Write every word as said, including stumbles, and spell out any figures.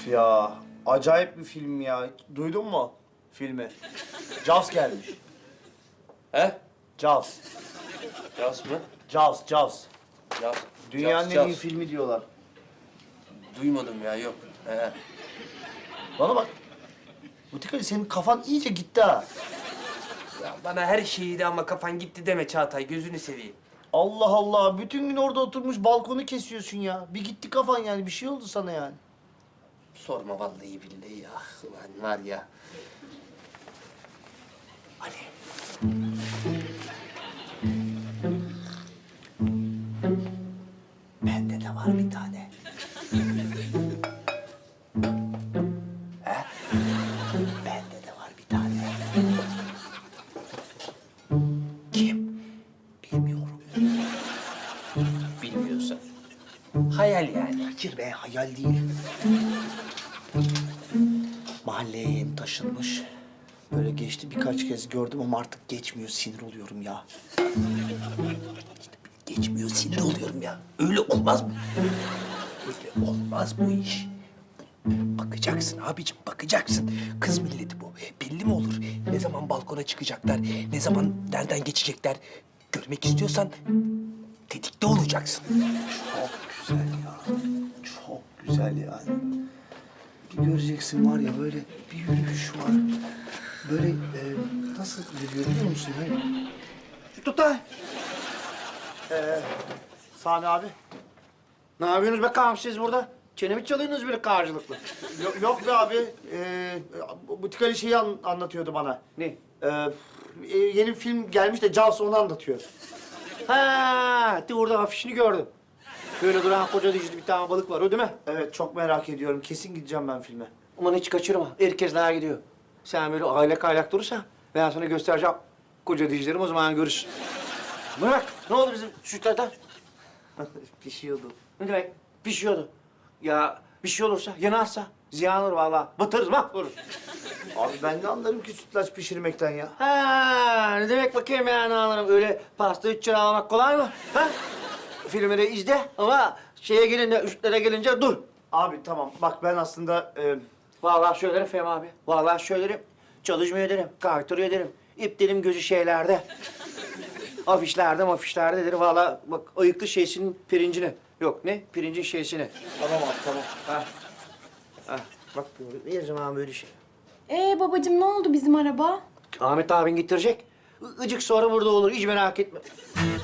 Ya acayip bir film ya. Duydun mu filmi? Jaws gelmiş. He? Jaws. Yaz mı? Jaws, Jaws. Yaz. Dünyanın Yaz, en iyi yaz. filmi diyorlar. Duymadım ya, yok. He. Bana bak. Butikali senin kafan iyice gitti ha. Ya bana her şeyi de ama kafan gitti deme Çağatay, gözünü seveyim. Allah Allah. Bütün gün orada oturmuş balkonu kesiyorsun ya. Bir gitti kafan yani. Bir şey oldu sana yani. Sorma vallahi billahi ya. Ulan var ya. Ali. Bende de var bir tane. He? Bende de var bir tane. Kim? Bilmiyorum. Bilmiyorsan. Hayal yani. Hayır be, hayal değil. Mahalleye yeni taşınmış. Böyle geçti birkaç kez gördüm ama artık geçmiyor. Sinir oluyorum ya. İşte geçmiyor, sinir oluyorum ya. Öyle olmaz mı? Öyle olmaz bu iş. Bakacaksın abicim, bakacaksın. Kız milleti bu. Belli mi olur? Ne zaman balkona çıkacaklar, ne zaman nereden geçecekler. Görmek istiyorsan tetikte olacaksın. Çok güzel ya. Çok güzel yani. Bir göreceksin var ya böyle bir yürüyüş var. Böyle e, nasıl yürüyor biliyor musun? Hani... Tut da. Ee, Sami abi. Ne yapıyorsunuz bakalım siz burada? Çenemi çalıyorsunuz böyle karşılıklı. Yok, yok be abi. Ee, Butikali şeyi an- anlatıyordu bana. Ne? Ee, e, yeni bir film gelmiş de Jaws onu anlatıyor. Ha, de orada afişini gördüm. Böyle duran koca dişli bir tane balık var, o değil mi? Evet, çok merak ediyorum. Kesin gideceğim ben filme. Aman hiç kaçırma, herkesler gidiyor. Sen böyle aylak aylak durursan ben sana göstereceğim koca dişlerimi, o zaman görürsün. Bırak, ne oldu bizim sütlerden? Pişiyordu. Ne demek? Pişiyordu. Ya bir şey olursa, yanarsa ziyan olur vallahi. Batırırız, mahvoluruz. Abi ben ne anlarım ki sütlaç pişirmekten ya. Ha, ne demek bakayım yani anlarım. Öyle pasta üç lira almak kolay mı? Ha? Filmi de izle ama şeye gelince, üstlere gelince dur. Abi tamam, bak ben aslında... E, Vallahi söylerim Fehmi abi. Vallahi söylerim. Çalışmıyor derim, kaytırıyor derim. İptelim gözü şeylerde. Afişlerde mafişlerde derim. Vallahi bak ayıklı şeysinin pirincini. Yok ne? Pirincin şeysini. tamam abi, tamam. Ha. Ha. Bak böyle, her zaman böyle şey. Ee babacığım ne oldu bizim araba? Ahmet abin getirecek. I- Icık sonra burada olur, hiç merak etme.